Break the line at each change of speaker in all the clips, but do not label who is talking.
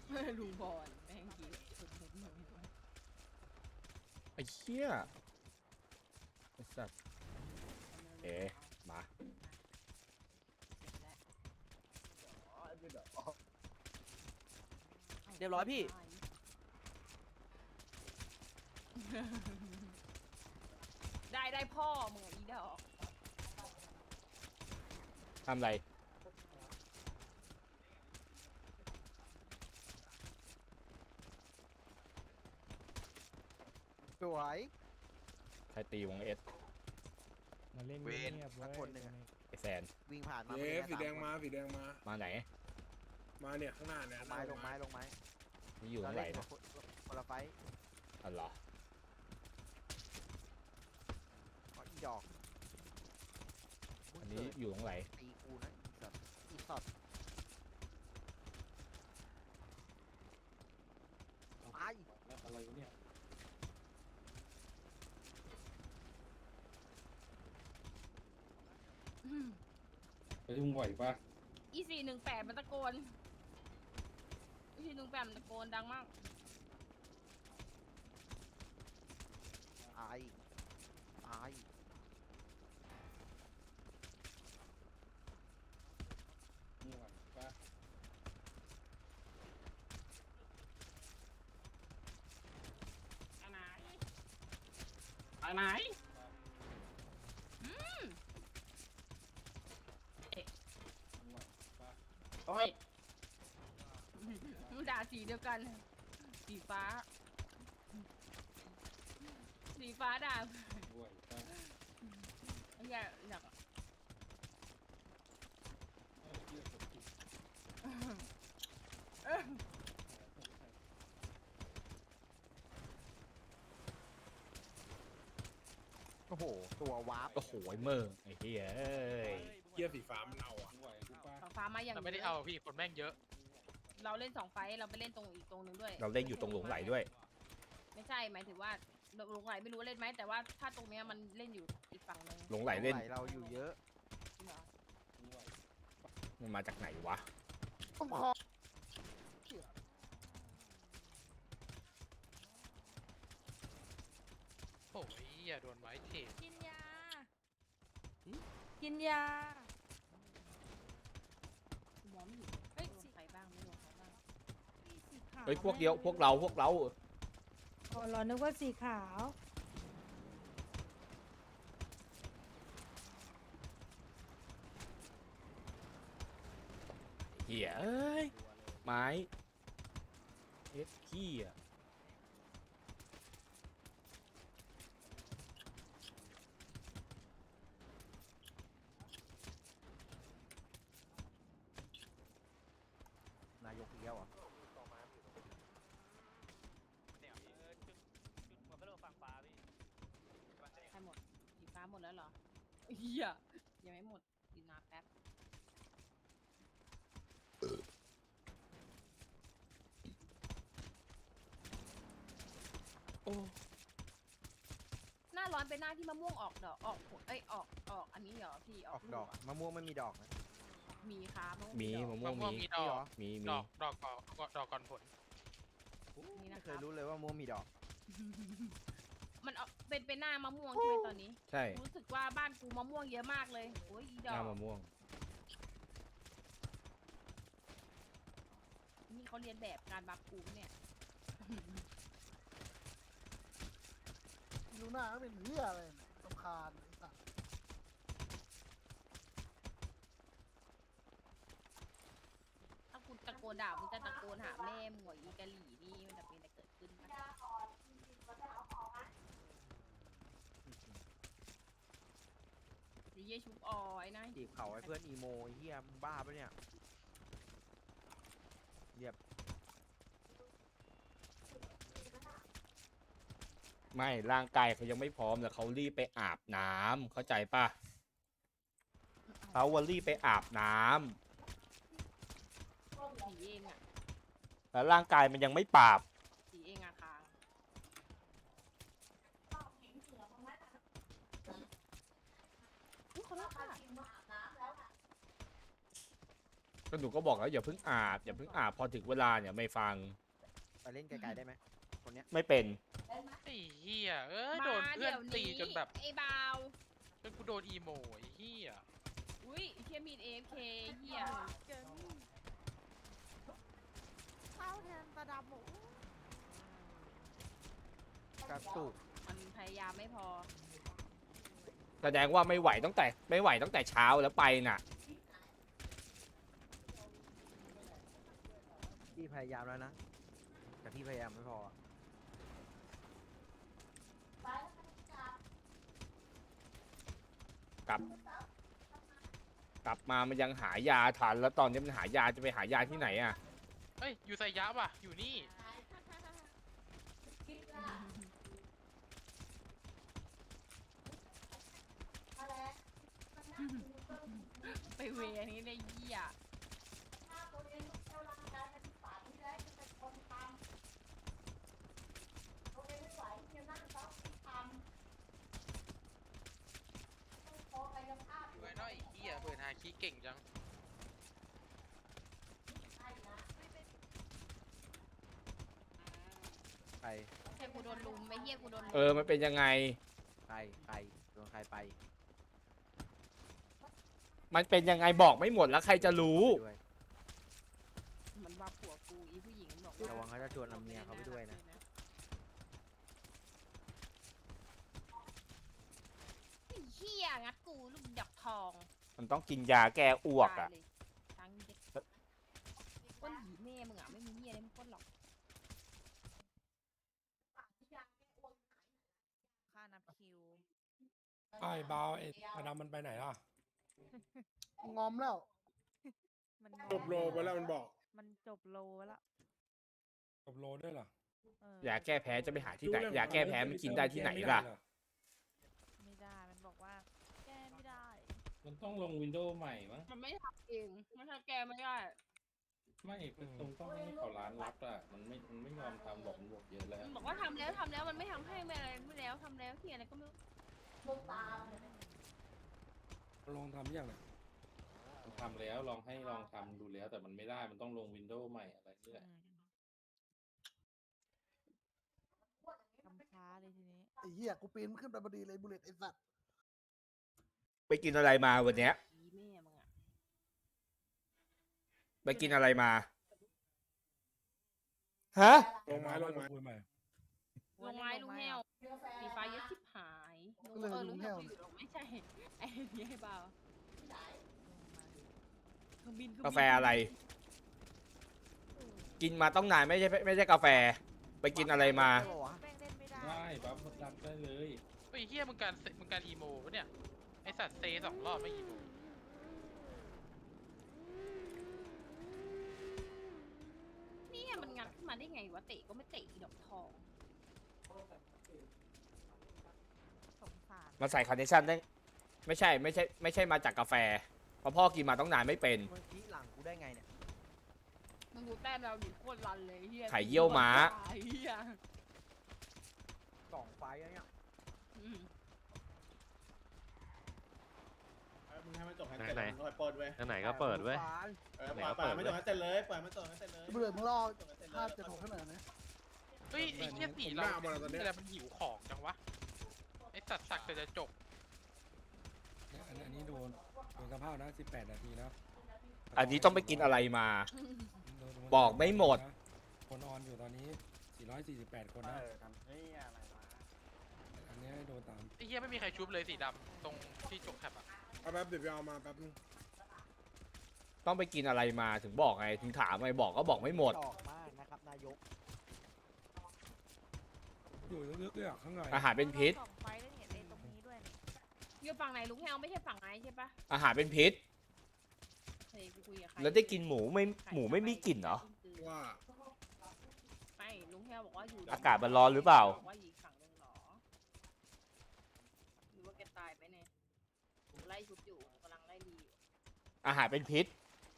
ลุงบอลแม่งกี้สุดๆเลย
ไอ้เหี้ยไอ้สัตว์เอ๋มา
เรียบร้อยพี่
ได้พ่อมึงอีดอก
ทำไร
สวย
ใครตีวงเอส
มาเล่น
เวร
เงียบๆ
สั
ไว้
กคนหนึ่งอะ
ไอแซน
วิ่งผ่านมา
เย้สีแดง
ไ
มาสีแดงมา
มาไหน
มาเนี่ยข้างหน้าเนี่ย
ลงไม้ลงไม้ลงไม้
นี่อยู่ตรงไหน
เรา
นะ
เล่คนละไฟต์
อ๋อเหรอ
อ๋ออีดอก
อันนี้อยู่ตรงไหน
ตีกูนะอีสัตว์ตาย
แล้วอะไรวะเนี่ย ไปทุ่งไหวปะ
อี418มันตะโกนอี418มันตะโกนดังมาก
ตายตาย
ทุ่งไหวปะ
อันไหนอันไหน
ทุ่งไหวปะ
โอ้ยมึงด่าสีเดียวกัน สีฟ้า สีฟ้าด่า
ทุ่งไหวปะ
อยาก
เรียกผมผิด
โอ้โหตัววาร์ป
โอ้โหไอ้เมอร์ไอ้เหี้ยเอ้ย
เกียร์สีฟ้ามันเอาอ่ะ
ทุ่งไหวกูปะ
สีฟ้ามาอย่าง
แต่ไม่ได้เอาพี่คนแม่งเยอะ
เราเล่น2 ไฟท์เราไปเล่นตรงอีกตรงหนึ่งด้วย
เราเล่นอยู่ตรงหลงไหลด้วย
ไม่ใช่หมายถึงว่าหลงไหลไม่รู้เล่นไหมแต่ว่าถ้าตรงเนี้ยมันเล่นอยู่อีกฝั่งหนึง
หลงไหลเล่น
เราอยู่เยอะ
จริงเหรอ
ทุ่งไหว
มันมาจากไหนวะ
ต้องคอ
โอ้ยอย่าโดนไม้เทป
กินยากินยาหมอไม่อยู่เฮ้ยใครบ้างไม่รู้ใครบ้าง
เฮ้ยพวกเดียวพวกเรา
อ๋อเหรอนึกว่าสีขาว
เหี้ยเอ้ย ไม้เอสขี้อ่ะ
นายกเดียวอ่ะ
ใครหมดสีฟ้าหมดแล้วเหรอเฮียยังไม่หมดกินน้ำแป๊บหน้าร้อนเป็นหน้าที่มะม่วงออกดอกออกผลเอ้ยออกอันนี้เหรอพี่
ออกดอกมะม่วงไม่มีดอกนะ
มีค่ะมะม่วง
มี
ดอก
มะม่
มะ
วง
ม่วง
มี
มีดอก
มี
ดอกก่อนผล
นี่นะ
ไม่
ค
เครับ ยรู้เลยว่ามะม่วงมีดอก
มันเป็นหน้ามะม่วงใช่ไหมตอนนี้
ใช่
รู้สึกว่าบ้านกูมะม่วงเยอะมากเลยโอ้ยอีด
ห
อ
น้าก มะม่วง
นี่เขาเรียนแบบการบัฟกูเนี่ย
ลูน่าก็เป็นเหี้ยอะไรสำคาญไอ้สัส
ถ้ากูตะโกนด่ามึงจะตะโกนหาแม่หมวยอีกะหลี่นี่มันจะเป็นอะไรเกิดขึ้นปะเยี่ยชุบออยนะ
จีบเขาไอ้เพื่อนอีโมไอ้เฮียมึงบ้าปะเนี่ยเรียบ
ไม่ร่างกายเขายังไม่พร้อมแต่เขารีบไปอาบน้ำเข้าใจป่ะเขาวันรีบไปอาบน้ำ
สีเองอ่ะ
แล้วร่างกายมันยังไม่ปราบ
สีเองอะค่ะอุ๊ยขอโทษค่ะ
ก็หนูก็บอกแล้วอย่าเพิ่งอาบอย่าเพิ่งอาบพอถึงเวลาเนี่ยไม่ฟัง
ไปเล่นไกลๆได้ไหมคนเนี้ย
ไม่เป็น
ไอ้เหี้ยโดน
มา
เพื่อ
เดี๋
น
ยว
ตี
นี้
จนแบบ
ไอ้บาว
จนกูโดนอีโมไอ้เหี้ย
อุ้ยไอ้เฮียมีน AFK เฮีย
ข้าวแทนปลาดำหมู
กระตุก
มันพยายามไม่พอ
แสดงว่าไม่ไหวตั้งแต่เช้าแล้วไปน่ะ
พี่พยายามแล้วนะแต่พี่พยายามไม่พอ
กลับมามันยังหายาทันแล้วตอนนี้มันหายาจะไปหายาที่ไหนอ่ะ
เฮ้ยอยู่ไซยะว่ะอยู่นี่
ไปเวนี้เลยเฮีย
อยู่ไอ้น้อยไอ้เหี้ยเปิดหาคีย์เก่งจัง
ใคร
เฮียกูโดนลุมไอ้เฮียกูโดนลุม
มันเป็นยังไง
ใครโดนใครไป
มันเป็นยังไงบอกไม่หมดแล้วใครจะรู้
ด้วย
มันว่าผัวกูอีผู้หญิงมันบอก
ระวังเขาจะชวนเอาเมียเขาไปด้วยนะ
ไอ้เฮียงัดกูลูกดอกทอง
มันต้องกินยาแก้อ้วกอ่ะ
ตายเลยทั้งเด็กก้นหีแม่มึงอ่ะไม่มีเฮียอะไรมึงก้นหรอก
ค่านับคิว
ไอ้บาวไอ้มาดำมันไปไหนล่ะ
งอมแล้ว
มัน
จบโลไปแล้วมันบอก
มันจบโลแล้ว
จบโลด้วยเหรอ
ยาแก้แพ้จะไปหาที่ไหนยาแก้แพ้มันกินได้ที่ไหนล่ะ
ไม่ได้ มันบอกว่า แก้ไม่ได้
มันต้องลงวินโดว์ใหม่มั้ง
มันไม่ทำเองไม่ทำแกไม่ได้
ไม่ตรงต้องให้เขาร้านรับอ่ะมันไม่ยอมทำบอกมันบอกเยอะแล้ว
มันบอกว่าทำแล้วมันไม่ทำให้ไม่อะไรไม่แล้วทำแล้วที่อะไรก็ไม่รู้
ลองทำยังไง
มันทำแล้วลองทำดูแล้ว แต่มันไม่ได้มันต้องลงวินโดว์ใหม่อะไรนี่แหละ
ทำช้าเลยทีนี้
ไอ้เหี้ยกูปีนขึ้นไปพอดีเลยบุลเลตไอ้สัตว์
ไปกินอะไรมาวันเนี้ย
อีแม่มึงอ่ะ
ไปกินอะไรมา ฮะ
ลงไม้ลงไม้
ลงไม้ลุงแห้วสีฟ้าเยอะชิบหายลุงแห้วอยู่หรอกไม่ใช่ไอ้นี่ให้เบาเครื่องบิน
กาแฟอะไร กินมาต้องนานไม่ใช่กาแฟ ไปกินอะไรมา
ได้ปะวะ
แป้งเล่นไม่ได้
ได้ปั๊บรับได้เลย
ไอ้เหี้ยมึงการอีโมปะเนี่ยไอสัตว์เซ2 รอบไม่อีโม
นี่มันงัดขึ้นมาได้ไงวะเตะก็ไม่เตะอีดอกทอง
สงสาร
มาใส่คาร์เนชั่นได้ไม่ใช่มาจากกาแฟเพราะพ่อกินมาต้องนานไม่เป็น
มึงชี้หลังกูได้ไงเนี่ย
มึงดูแต้มเราดิโคตรรันเลยเฮีย
ไข่เยี่ยวม้า
เฮีย
2 ไฟล์แล้วเนี่ย
อืม
มึงให้มันจบให้
ไหน
เสร็จ
ไหน
มึงค่อยเปิดเว้ย
ทางไหนก็เปิดเว้ย
ปล่อยมันจบให้เสร็จเลยปล่อยมันจบให้เสร็จเลย
บุลเลตมึงรอภาพจะถกให้หน่อยนะ
เฮ้ยไอ้เหี้ยสีเราอะไรมันหิวของจังวะไอสัตว์สักแต่จะจบ
อันนี้โดนสภาพนะ18 นาทีนะ
อันนี้ต้องไปกินอะไรมา บอกไม่หมด
คนออนอยู่ตอนนี้448 คนนะอันนี้โดนตาม
ไอ้เหี้ยไม่มีใครชุบเลยสีดำตรงที่จกแคปอะ
เอาแป๊บเดี๋ยวไปเอามาแป๊บนึง
ต้องไปกินอะไรมาถึงบอกไงถึงถามไงบอกก็บอกไม่หมด
ดอกมากนะครับนายก
อยู่ลึกๆเลยอ่ะข้างใน
อาหารเป็นพิษ
สองไฟแล้วเนี่ยไอ้ตรงนี้ด้วยเนี่ย
อยู่ฝั่งไหนลุงแฮวไม่ใช่ฝั่งไหนใช่ปะ
อาหารเป็นพิษ
เฮ้ยกูคุยกับใคร
แล้วได้กินหมูไม่มีกลิ่นเหรอ
ว่า
ไม่ลุงแฮวบอกว่าอยู่
อากาศมันร้อนหรือเปล่า
บอกว่าอยู่อีกฝั่งหนึงเหรอหรือว่าแกตายไปเนี่ยผมไล่ชุบอยู่ผมกำลังไล่ดีอยู่
อาหารเป็นพิษ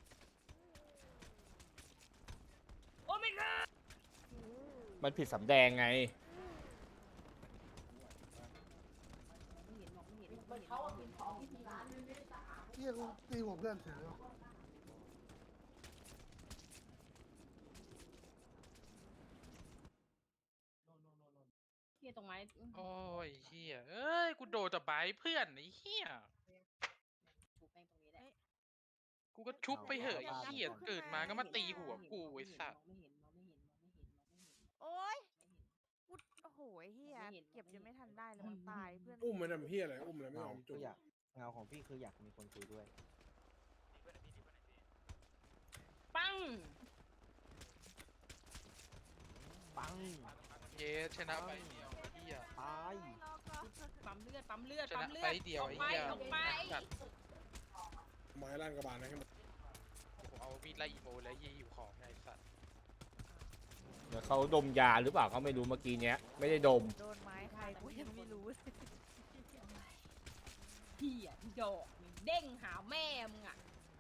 โอ้ไม่ค่ะ
มันผิดสำแดงไง
ไม่เห็นหรอกไม่เห็นหรอกไม่เห็นหรอกไม่เห็นหรอกไม่เห็นหรอก
เหี้ยกูตีหัวเพื่อนเฉย
ยตรงไม้
โอ้ยเฮียเอ้ยกูโดนแต่ใบเพื่อนไอ้เฮีย
กูแป้งตรงนี้แหละ
กูก็ชุบไปเหอะไอ้เฮียเกิดมาก็มาตีหัวกูไอ้สัตว์
มองไม่เห็นมองไม่เห็นมองไม่เห็นมองไม่เห็น
โอ๊ยกูโอ้โหไอ้เฮียเก็บยังไม่ทันได้เลยมันตายเพื่อน
อุ้มมันทำเพี้ยอะไรอุ้มแล้วไม่ยอม
คื
จุ
อก อยากเงาของพี่คืออยากมีคนคุยด้วย
ปัง
ปัง
เย้ชนะไปเดียวไอ้เฮีย
ตาย
รอก่อน
ปั๊มเลือดปั๊มเลือด
ช
ปั๊
นะ
มเลื
ไป
อด
เดียว
ออก
ไอ้
ไป
เฮีย
ออกไป
แบบ
ไม้ลั่นกระบาลนะให้มัน
ผมเอามีดไล่อีโมแล้วยี่หิวของไงไอ้สัตว์
เดี๋ยวเขาดมยาหรือเปล่าเขาไม่รู้เมื่อกี้เนี้ยไม่ได้ดม
โดนไม้ใครกูยังไม่รู้เลย
เหี้ยดอกมึงเด้งหาแม่มึงอ่ะ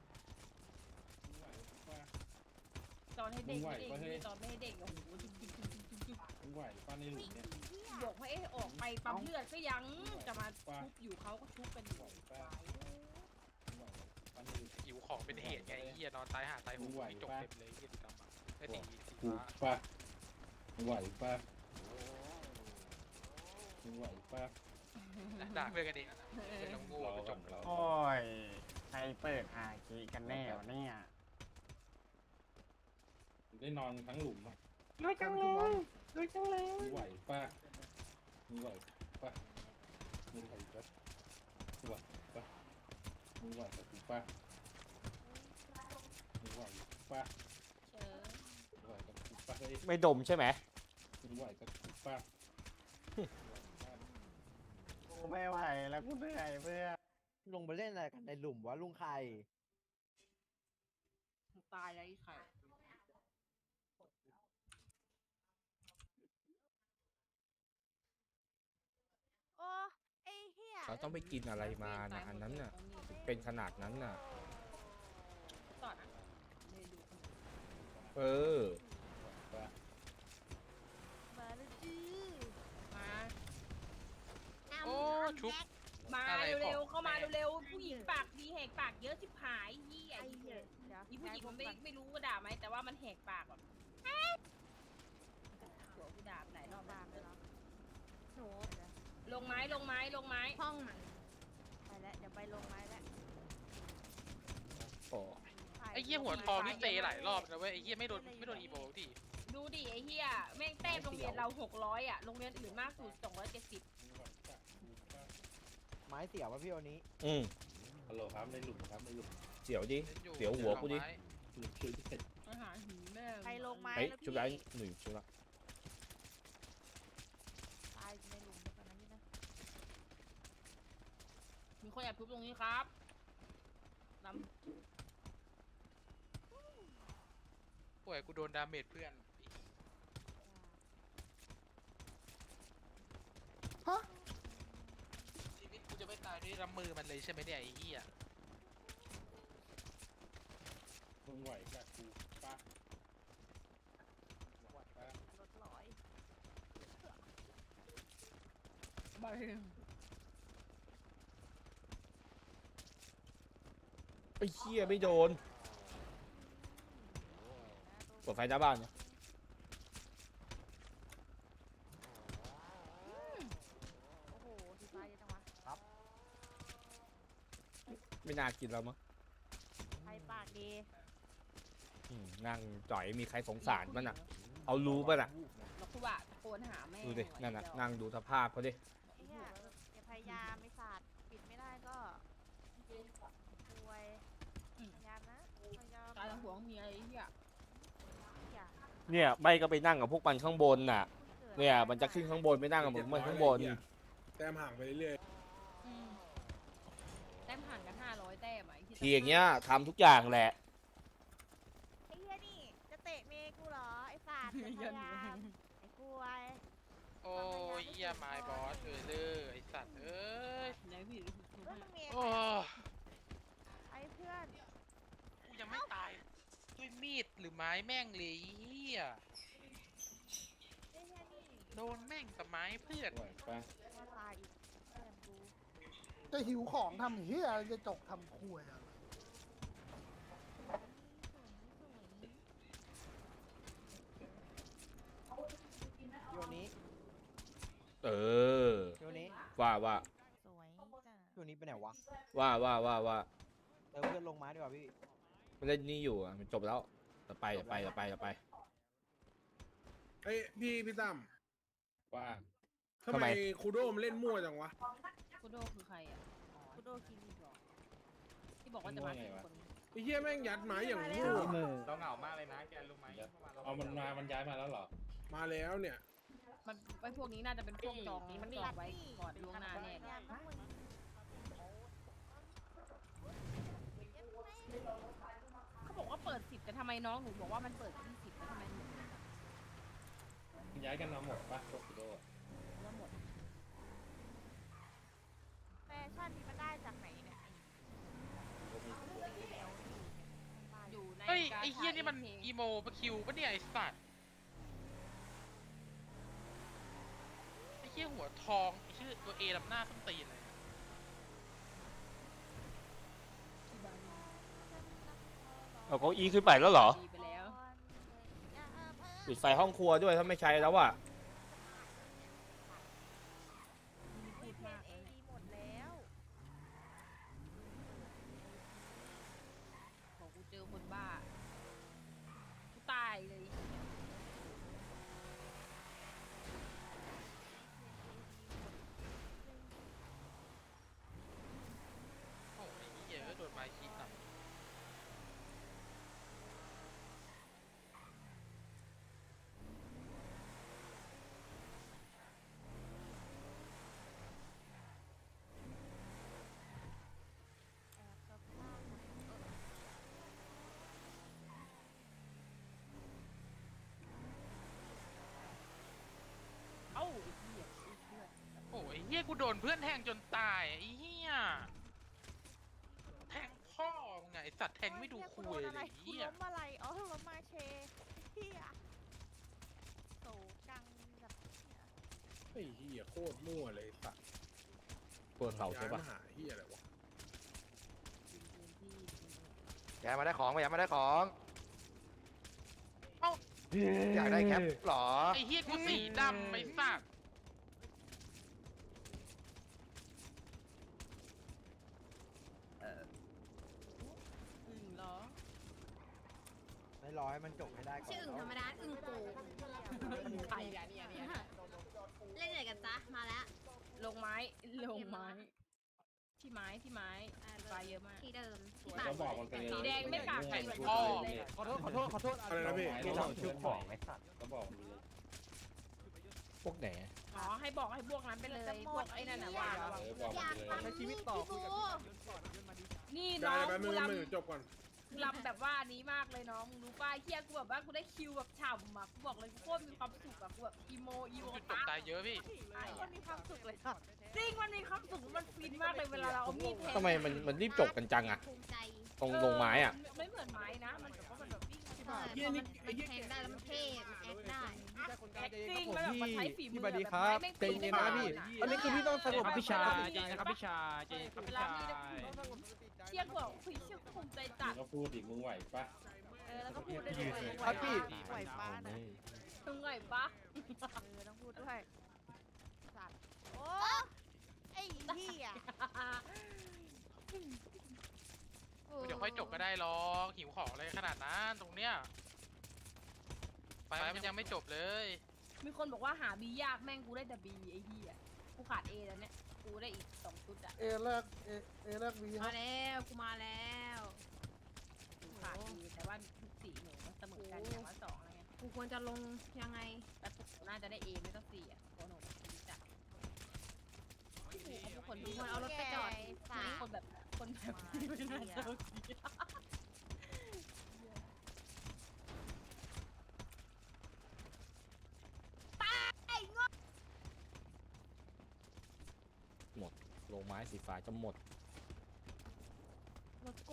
ตอนให้เด็กไม่เด็กนี่ตอนไม่ให้เด็กโอ้โหจุ๊บจุ๊บจุ๊บจุ๊บจุ๊บจุ๊บ
มึงไหวป้าในหลุมเนี่ย
บอกให้ออกไปปั๊มเลือดก็ยังจะมาชุบอยู่เขาก็ชุบกันอยู่
ป้าในหลุม
หิวของเป็นเหตุไงไอ้เฮียนอนตายหาตายโหงมีจกเต็มเลยเฮียดำอ่ะไอ้สี
กู
ฟ้า
ป้ามึงไหวป้ามึงไหวป้า
ด่าเพื่อนกันเองอะเป็นน้องโง่
เรา
เป็นจ
ก่อก นเรา
โอ้ย ใครเปิดอาคีกันแน่วะเนี่ย
ได้นอนทั้งหลุมอ่ะ
รู้จังเลยรู้จังเลย
มึงไหวป้ามึงไหวป้ามึงไหวป้ามึงไหวป้ามึงไหวกับกูป้ามึงไหวป้า
เชิญ
มึงไหวกับกูป้าเฮ้ย
ไม่ดมใช่ไหม
มึงไหวกับกูป้า
กูไม่ไหวแล้วกูเหนื่อยเพื่อน
ลงไปเล่นอะไรกันในหลุมวะลุงไข่
ตายแล้วไอ้ไข่
โอ้ไอ้เฮีย
เขาต้องไปกินอะไรมานะอันนั้นน่ะเป็นขนาดนั้นน่ะ
ต่อนะเลยดู
เออ
ป้า
มาแล้วจื้อ
มา
โอ้ชุบ
มา
อะไร
เร็ว
ของ
ๆเข้ามา
แม่
เร็วๆผู้หญิงปากดีแหกปากเยอะชิบหายเหี้ย
ไอ้เหี้ยเดี๋ยว
อีผู้หญิง
ย้าย
มันไม่
ก่อน
ไม่รู้ว่าด่าไหมแต่ว่ามันแหกปากแบบหัวกูด่าหลายรอบ
บ้าม
าก
เลยเหรอหนู
ลงไม้ลงไม้ลงไม้ห้องมัน
ไปแล้วเดี๋ยวไปลงไม้แล้ว
โอ้
ไอ้เฮียหัวทองนี่เตะหลายรอบนะเว้ยไอ้เฮียไม่โดนอีโมดิ
ดูดิไอ้เหี้ยแม่งแต้มโรงเรียนเรา600อ่ะโรงเรียนอื่นมากสุด270
มึงไหวป้ากูป้า
ไม้เสียวะพี่วันนี้
อืม
ฮัลโหลครับในหลุมครับในหลุม
เสียวดิ
ล่นอยู่
เดี๋ยวหัวกูดิ
หลุมคือเสร็จ
อาหารหีแม่
ใครลงไม้
เฮ้ย
แล้ว
ชุบ
พี่
ได้หนึ่งชุบละ
ตายในหลุมเดี๋ยวก่อนนะนี่นะ
มีคนแอบทุบตรงนี้ครับล
ป่วยกูโดนดาเมจเพื่อน
ฮะ
ชีวิตกูจะไม่ตายด้วยลำมือมันเลยใช่ไหมเนี่ยไอ้เหี้ย
มึงไหวกับกูป้ามึงไหวป้าร
ถลอย
ำใบ
ไอ้เหี้ยไม่โดนเปิดไฟหน้าบ้านเนี่ย
โอ้โหสีฟ้าเยอะจังวะ
ไม่น่ากินแล้วมั้ง
ใครปากดี
นั่งจ่อยมีใครสงสารมันอ่ะ เอารู้ป่ะน่ะ
แล้วกูว่าตะโกนหาแม่
ดูดินั่นน่ะนั่งดูสภาพเขาดิ
ไอ้เหี้ยอย่าพยายามไม่สาดปิดไม่ได้ก็ป่วยพยายามนะพยายาม
ตายหัวเมียไอ้เหี้ย
อย่า
เนี่ยใบก็ไปนั่งกับพวกมันข้างบนน่ะ เนี่ยมันจะขึ้นข้างบนไม่นั่งกับผมมันข้างบน
แต้มห่างไปเรื่อย
แต้มห่างกัน500แต้มอ่ะไอ้ที่
ทีอย่างเงี้ยทำทุกอย่างแหละ
ไอ้เหี้ยนี่จะเตะเมย์กูเหรอไอ้สาดอย่าพยายามไอ้กล้วย
โอ้ยเหี้ยไม้บอสเลยไอ้สัตว์เอ้ย
ไหนพี่
ก็มึงเมย์
โอ้
ไอ้เพื่อน
กูยังไม่ตายด้วยมีดหรือไม้แม่งเลยไอ้เหี้ย
ไอ้เหี้ยนี่
โดนแม่งแต่ไม้เพื่อน
ไหวป้า
มาตายอีกเพื่อนกู
จะหิวของทำเฮียจะจกทำควยอะ
พี่วันนี้
เออ
พี่โอนี้
ว่า
สวยจ้ะ
พี่โอนี้ไปไหนวะ
ว่า
เติมเพื่อนลงไม้ดีกว่าพี่
มันเล่นนี่อยู่อะมันจบแล้วจะไป
เอ้ยพี่ตั้ม
ว่า
ทำ
ทำ
ไม
ไม
คูโดมันเล่นมั่วจังวะ
คุโดคือใครอ่ะอ๋อ
คุโดคิมิ
ที่บอกว่าจะมาสี่คน
ไอ้เหี้ยแม่งยัดไม้อย่างมั่ว
เราเหงามากเลยนะแกรู้ไหม
เอามันย้ายมาแล้วเหรอ
มาแล้วเนี่ย
มันไอ้พวกนี้น่าจะเป็นพวกจองไว้ก่อนล่วงหน้าแน่เลย
ยามพวกมึง
เขาบอกว่าเปิด10แต่ทำไมน้องหนูบอกว่ามันเปิด20แล้วทำไมหนู
ย้ายกันมาหมดปะโตคิโด
ว่าหมด
แฟชั่นนี้มันได้จากไหนเนี่ย
อยู่ใน
เฮ้ย
กาชา
ไอ้เหี้ยนี่มัน
AK
อีโมปะคิวปะเนี่ยไอ้สัตว์ไอ้เหี้ยหัวทองไอ้ชื่อตัวเอลำหน้าส้นตีนเลย
เอาเก้าอี้ขึ้นไปแล้วเหรอ
ดีไปแล้ว
ปิดไฟห้องครัวด้วยถ้าไม่ใช้แล้วอ่ะ
พูดมากเลยหมดแล้ว
บอกกูเจอคนบ้ากูตายเลย
โอ้ยไอ้เหี้ยโดนไม้ขีดหนัก
เอ้าไอ้เหี้ยไอ้เหี้ย
โอ้ยไอ้เหี้ยกูโดนเพื่อนแทงจนตายไอ้เหี้ยแทงพ่อมึงไงไอ้สัตว์แทงไม่ดูคุยเลยไอ้
กู
เหี้ย
ล้มอะไรอ๋อล้มมาเชเฮียโตกังแบบ
ไอ้เหี้ยโคตรมั่วเลยไอ้สัตว์
ปวดเข่าใช่ปะ
ย้ยมหาเหี้ยอะไรวะ
แกมาได้ของมาได้ของ
เอ้า
อยากได้แคปหรอ
ไอ้เหี้ยกูสีดำไอ้สัตว์
เหรอ
ไม่รอให้มันจบให้ได้ก่อน
ชื่ออึ่งธรรมดาอึ่งโก
ใครอะเนี่ย
เล่นไหนกันจ๊ะ มาแล้ว
ลงไม้ที่ไม้ปลาเยอะมาก
ที่เดิมที่
ก็บอกมันไปเลย
สีแดงไม่ปากแข็ง
ไอ้
เหมือน
พ่อ
เลย
ขอโทษ
อะไรนะพี่
ที่เราชื่อของไอ้สัตว์
ก็บอกมันไปเลย
พวกไหน
อ๋อให้บอกให้พวกนั้นไปเลยพวกไอ้นั่นน่ะว่าระวัง
บอก
อยาก
มันไปเลย
ทำชีวิตต่อคุยกับ
นี่น้
ได้
อง
แป๊บนึ
กู
ง
ร
แป๊บนึงจบก่อน
ำแบบว่านี้มากเลยน้องมึงรู้ป่ะเฮียกูแบบว่ากูได้คิวแบบฉ่ำอ่ะกูบอกเลยกูโคตรมีความสุขอะกูแบบอีโม
จุดตกตายเยอะพี่
มันมีความสุขเลยค่ะ
จริงมันมีความสุขมันฟินมากเลยเวลาเราเอามีดแทง
ทำไมมันรีบจบกันจังอะ
ภูมิใจ
ตรงลงไม้อ่ะ
ไม่เหมือนไม้นะมันแบบว่ามันแบบวิ่ง
ใช่พอมันแทงได้แล้วมันเท่มันแอคได้
แอคติ้งมันแบบมันใช้ฝีมือ
พี่บัดดีครับ
ไม่
ใจเย็นนะพี่ อันนี้คือพี่ต้องสงบ
ครับ
พี่ชาย
ครับพี่ชายเวลามีนะเชี่ยกูบอกคุยเชี่ยกูภูมิใจจัด
ก็พูดดิมึงไหวปะ
แล้วก็พูดได้ด้วย
ครับพี่
ไหวป้านะ
มึงไงปะ
ต้องพูดด้วยสัตว์โอ้ไอ้เหี้ย
เดี๋ยวค่อยจบก็ได้หรอกหิวของอะไรขนาดนั้นตรงเนี้ยไปมันยังไม่จบเลย
มีคนบอกว่าหาบียากแม่งกูได้แต่บีไอ้เหี้ยกูขาดเอแล้วเนี่ยกูได้อีก2ชุดอะ
เอแรกวีค
มา
รับ
แล้วกูมาแล้ว
กูขาดบีแต่ว่าทุกสีหนูมันเสมอกันอย่างละ2อะไรเงี้ย
กูควรจะลงยังไง
แต่กูน่าจะได้เอไม่ต้อง4อะเพราะหนูดีจัดทุกคน
กูควรเอารถไปจอด
สา
คนแบบคนแบบไม่น่าจะโอเค
ลงไม้สีฟ้าจะหมด
รถกู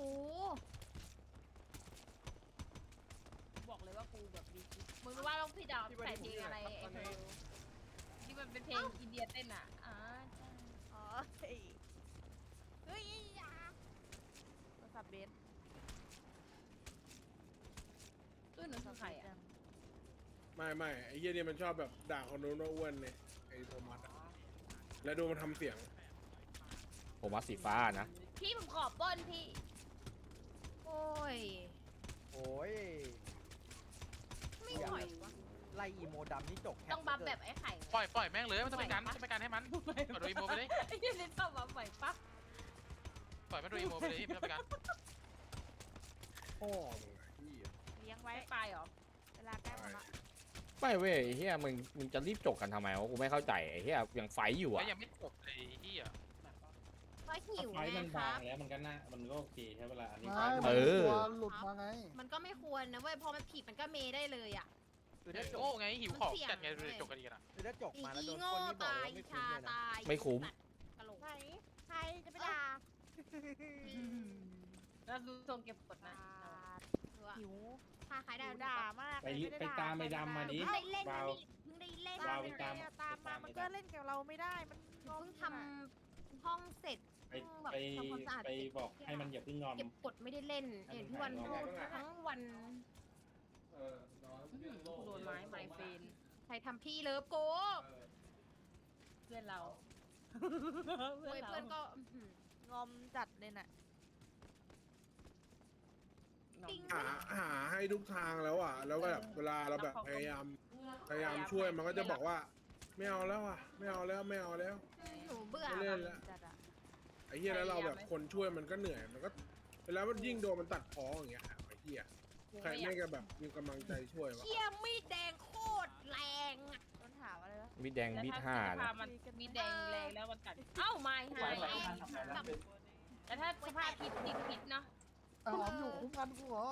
บอกเลยว่ากูแบบดีมึงรู้ว่าต้องพี่ดาวใส่เพลงอะไรไอ้เพลงที่มันเป็นเพลงอินเดียเต้นอ่ะใช่
อ๋อเฮ้ยอย่าโทรศัพท์เบส
ด้วยหนูคือใครอ่ะ
ไม่ไอ้เหี้ยเนี่ยมันชอบแบบด่าคนนู้นว่าอ้วนเนี่ยไอ้โทมัสอะแล้วดูมันทำเสียง
ผมว่าสีฟ้านะ
พี่ผมขอปล้นพี่
โอ้ย
โอ้ย
ไม่ไหววะ
ไล่อีโมดำนี่จกแคป
ต้องบัฟแบบไอ้ไข่
ปล่อยแม่งเลยมันจะไปกันให้มันปล่อยโดยอีโมไปเลย
ไอ้เหี้ยนี่ชอบบัฟไหวปะ
ปล่อยมันโดยอีโมไปเลยไม่ต้องไปกัน
พ่อมึงไอ้เหี้ย
เลี้ยงไว้
ไม่ไปหรอ
เวลาใกล้หมดละ
ไม่เว้ยไอ้เฮียมึงจะรีบจบกันทำไมวะกูไม่เข้าใจไอ้เฮียยังไฟอยู่
แล้
อ่ะ
วยังไม่จบเลยที่อ่ะ
ก็หิว
ไฟ
ไง
มัน
ค
บา
รั
ง
บ
แล้วมันก็น่ามันก็โอเคใช่เวลาอันนี้
ไม่
เออ
ตัวหลุดมาไง
มันก็ไม่ควรนะเว้ยพอมันผิดมันก็เมได้เลยอ่ะ
คือถ้าจ
โง่
ก
ไงหิวของจัดไงจบกันดีกันอ่ะ
คือถ้าจก
อี
มาแล้วโดน
โง่
คนนี่บอก
ตาย
ว่า
อี
ไม่คุ้ม
ชา
เลยนะ
ตาย
ไม่คุ้ม
กะโหลก
ไหนใครจะไปด่า
แล้วดูทรงเก็บกดนะ
หิว
พาขายได้
ด่ามาก
ไปตามไปดำมาดิ
เพิ่งได้เล่น
วา
นะ
ว
นี่เพิ่งได้เล่น
วาว
ไป
ตาม
ตามมามันก็เล่นกับเราไม่ได้มันงง
เพิ่งทำห้องเสร็จ
ไป
แบบ
ไป
ทำความสะอาด
ไปบอกให้มันอย่าเพิ่งงอน
เก็บกดไม่ได้เล่นเห็นพี่วันพูดทั้งวัน
โดนไม้ไมเฟน
ใครทำพี่เลิฟโก
เพื่อนเรา
โอ้ยเพื่อนก็
งอมจัดเลยน่ะ
ติ้ง
หาให้ทุกทางแล้วอ่ะ แล้วก็แบบเวลาเราแบบพยายามช่วยมันก็จะบอกว่าไม่เอาแล้วอ่ะไม่เอาแล้วไม่เอาแล้ว
หนูเบื่อ
ไม่เล่นแล้ว
จัดอะ
ไอ้เหี้ยแล้วเราแบบคนช่วยมันก็เหนื่อยมันก็เวลามันยิ่งโดนมันตัดพ้ออย่างเงี้ยไอ้เหี้ยใครไม่ก็แบบมีกำลังใจช่วยวะ
เชี่ยมีดแดงโคตรแรงอะ
ต้นถามอะไรวะ
มีดแดง
แล้ว
มีด
ถ้า
ห้า
ส
นะ
ภาพมันมีแดงแรงแล้วมันกัดเอ้าไม้หายแต่ถ้าสภาพผิดเนาะ
หอมอยู่คุ้มกันกูเหรอ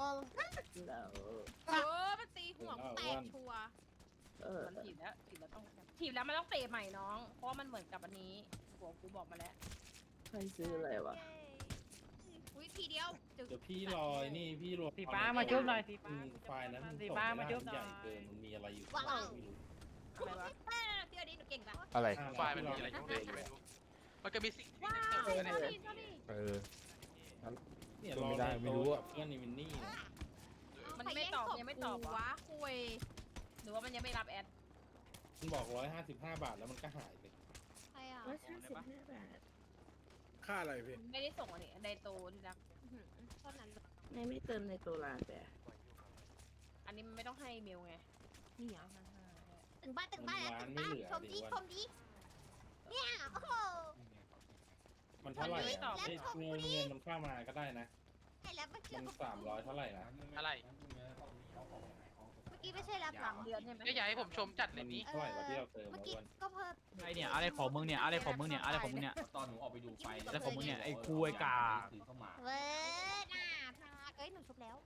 มันตีหัวกูแตกชัวร์
มันถีบแล้วมันต้องเตะใหม่น้อง เพราะว่ามันเหมือนกับอันนี้หัวกูบอกมาแล้ว
ใครซื้ออะไรวะ
อุ้ยทีเดียวจึก
เดี๋ยวพี่รอนี่พี่รอ
สีฟ้ามาจุ๊บหน่อยสี
ไฟล์นั้น
สีฟ้ามาจุ๊บ
ใหญ่เกินมันมีอะไรอยู่
ว้าว
ไม่รู้
อะไรวะ
พี่อดีหนูเก่งปะ
อะไร
ไฟล์มันมีอะไรอยู่ไม่รู้มันก็มีสิ่งที่
ว้า
เติ
ว
มเนี่ย
เออ
เนี่ย
ไม่ได้ไม่รู้อะ
กับเพื่อนในมินนี่นะ
มันไม่ตอบยังไม่ตอบ
วะ
วะ
คุย
หรือว่ามันยังไม่รับแอด
มันบอก155 บาทแล้วมันก็หายไป
ใครอ่ะ
ค่าอะไรพี่
ไม่ได้ส่งอันนี้ไดโตที่รัก
เท่านั้น
ไม่เติมในตัวร้านแต่
อันนี้มันไม่ต้องให้เมลไง
นี่เหรอถึงบ้านถึงบ้านแล้วถึงบ้านชมดีชมดีเนี่ยโอ้โห
มันเท่าไหร่อะเอ้ยเงินมันเข้ามาก็ได้นะ
ไอ้แล้วเมื่อกี้
มัน300เท่าไหร่นะ
อะไร
ไม่ใช่รับหลัง
เดือนใช่ไหม
ก็อยากให้ผมชมจัดเลยนี้
เท่าไหร่วะที่เราเติม
เมื่อ
มา
กี้
อ้วน
ก็เพิ่ม
ไอเนี่ยอะไรของมึงเนี่ยอะไรของมึงเนี่ยอะไรของมึงเนี่ย
ตอนหนูออกไปดูไฟ
อะไรของมึงเนี่ยไอ้คุยกา
เว้ยน่าพาเอ้ยหนูชุบแล้ว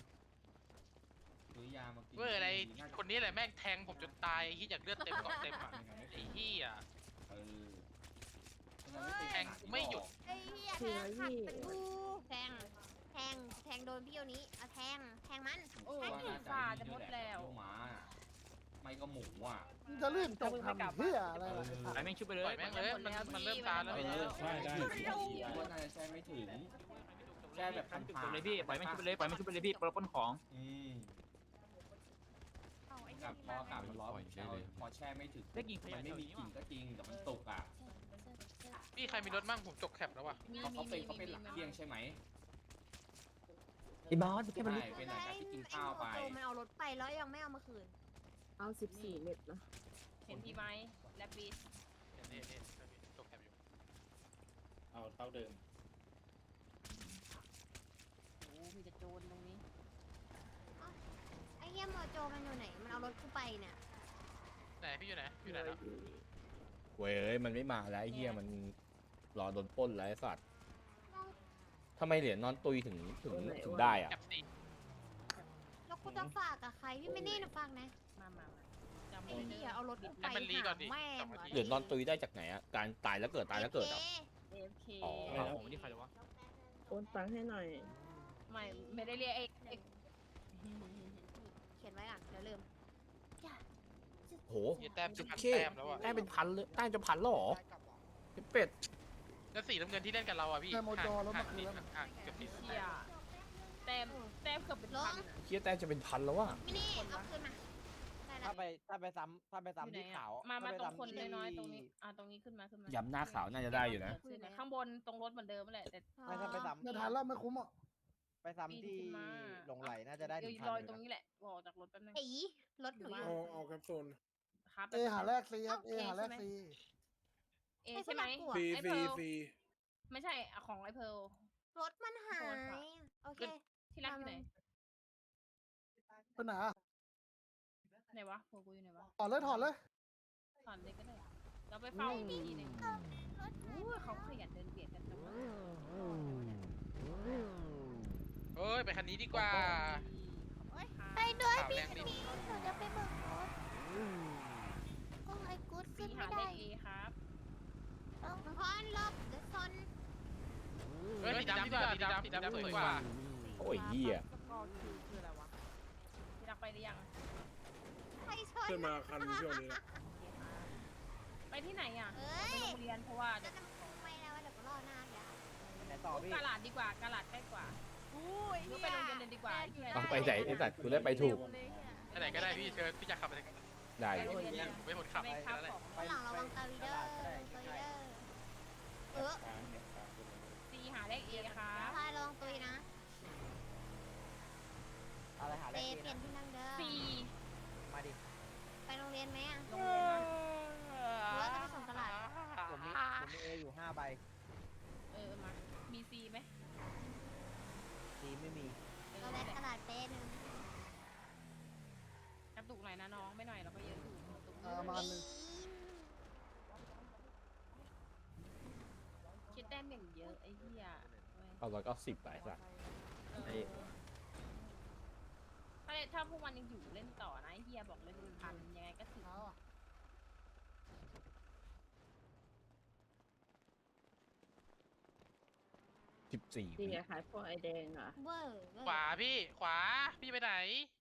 เว้ยอะไรคนนี้แหละแม่งแทงผมจนตายที่อยากเลือดเต็มกล่องเต็มอ่ะไอ้เหี้ยแทงกูไม่หยุด
ไอ้เหี้ยแทงขัดเป็นกูแทงโดนพี่โยนี้เอาแทงมัน
โอ้ยฝ่าจะหมดแล้ว
ไม่ก็หมูอ่ะ
มึงจะรีบจบทำเฮียอะไรล่ะ
ไอแม่งชุบไปเล
ปล่อย ยแม่งเลยมันเริ่มตาแล้ว
ได้ได้
ว่าน่าจะใช่ไม่ถึงแค่แบบจุดเลยพี่ปล่อยแม่งชุบไปเลยปล่อยแม่งชุบไปเลยพี่ปล้นของ
เอาไอ้
กับ
นี่
พอกลับมันร้อนพอแช่ไม่ถึงได้กินมันไม่มีกลิ่นก็จริงแต่มันตกอ่ะ
พี่ใครมีรถมั่งผมจกแคปแล้วว่ะ
เขาเป็นหลักเที่ยงใช่ไหม
ไอ้บอส
ใช่เป็นหลังจากที่กินข้าวไป
มันเอารถไปแล้วยังไม่เอามาคืน
เอา14 เม็ดนะ
เห็นพี่ไหมแลบบีส
นี่จกแคปอยู่
เอาเท่าเดิม
โอ้มีแต่โจรตรงนี้
ไอ้เหี้ยโมโจมันอยู่ไหนมันเอารถกูไปเนี่ย
ไหนพี่อยู่ไหนอยู่ไหนแล้ว
เว้ยมันไม่มาแล้วไอ้เฮียมันรอโดนปล้นแล้วไอ้สัตว์ทำไมเหรียญนอนตุยถึงได้อะ
แคปสี่
แล้วกูจะฝากกับใครพี่ไม่นี่นะฝากนะ
มาจำ
ไอ้
ไม่ได้
เหี้ยเอารถกูไป
ให้มันรีก่อนดิ
แม่ง
เหรียญนอนตุยได้จากไหนอะการตายแล้วเกิดตายแล้วเกิดอะ
AFK
อ๋อ
ผมนี่ใครเลยวะ
โอนตังค์ให้หน่อย
ไม่ได้เรียกเอก
เขียนไว้ก่อนเดี๋ยวลืม
โห
ยี่แต้มจะพัน
เค
แต้มแล้วอ่ะ
ได้เป็นพันเลยได้จะพันแล้วเหรอเป็ด
แล้วสีน้ำเงินที่เล่นกับเราอ่ะพี่
แค่โมโจแล้วเมื่อคืน
ห่างเกือบ
เชียแต้มเกือบเป็นพัน
เฮียแต่จะเป็นพันแล้วว่ะ
มินี่เอาคืนมาได้
ถ้าไปซ้ำ
อยู่ไหน
ที่
อะ
ขาว
มา
ถ้
ตรง
ไป
คน
ซ้ำที่
น้อยๆตรงนี้ตรงนี้ขึ้นมา
ย้ำหน้าขาวน่าจะได้อยู่นะ
ขึ้นข้างบนตรงรถเหมือนเดิมแหละแต่
ไม่ถ้าไปซ้ำ
ไม่ทันแล้วไม่คุ้มอ่ะ
ไปซ้ำที่
ขึ้นมา
หลงไหลน่าจะได้ถึงพัน
ลอย
ห
ตร
นึ่
ง
ง
นี้แหละออกจากรถแป๊บนึง
ตีรถอยู่
เอาแคปโซน
ครับ
เอหาแรกซีครับเอหาแรกซี
เอใช่ไหม
ซี
ไอ้
ซี
เพร์ล
ซี
ไม่ใช่ของไอ้เพร์ล
รถมันหายโอเค
ที่รักอยู่ไหน
เป็นหนา
ไหนวะเพร์ลกูอยู่ไหนวะ
ถอดเลยถอดเลย
ถอนเลยก็ได้เราไปเฝ้าอีกทีหนึงอู้เขาขยันเดินเบียดกันจังวะ
เอ้ยไปคันนี้ดีกว่า
ไปด้วย
ข่าว
พี่
แรงดิ
หนูจะไปเบิกรถโอ้ไอ้กู๊ด
ซี
ขึ้น
หา
ไม่
เล
ได้
ขเอครับ
ต้องพอนลบเดี๋ยวซน
เฮ้ยสีดำดีกว่าสีดำสวยกว่า
โอ้ยเหี้ย
ที่รักไปหรือยัง
ใครชน
ขึ้นมาคันช่วงนี้ละ
ไปที่ไหนอ่ะ
เอ้
ไป
ย
โรงเรียนเพราะว่า
จะทำไมแล้วเดี๋ยวก็รอหน้าเดี๋ยว
ไหนต่อพี่
กาลาดดีกว่ากาลาดใกล้กว่า
อุ้ย
หรือไปโรงเรียนเลยดีกว่า
เอาไปไหนไอ้สัตว์กูได้ไปถูก
ไปไหนก็ได้พี่เชิญพี่อยากขับไปไหน
ได้อ
ไป
ยู่
โรงเรียนเลย
ไม่หมดขับ
ไม่
ไป
ครับ
แล้วแหละ
ของ
ข้างหลังระวังตาวีเดอร์เออ
ซีหาเลขเอครับ
พายระวังตุยนะ
อะไรหา
เป
ได้
เปลี่ยนที่นั่งเด้อ
ซี
มาดิ
ไปโรงเรียนไหมอ่ะ
โรงเรียนนะ
หรือว่าจะไปส่งตลาด
ผมมีเออยู่5 ใบ
มามีซีไหม
ซีไม่มี
เราแลกตลาดเป๊ะนึง
กระตุกหน่อยนะน้องไม่หน่อยเราก็เยอะอยู่กระตุก
มาหนึ่ง
คิดแต้มอย่างเยอะไอ้เหี้ย
เอา190ไปสัตว์
ถ้าพวกมันยังอยู่เล่นต่อนะไอ้เหี้ยบอกเลย1,000ยังไงก็ถึง
เอาอ่ะ
14
เวอร์
ขวาพี่ขวาพี่ไปไหน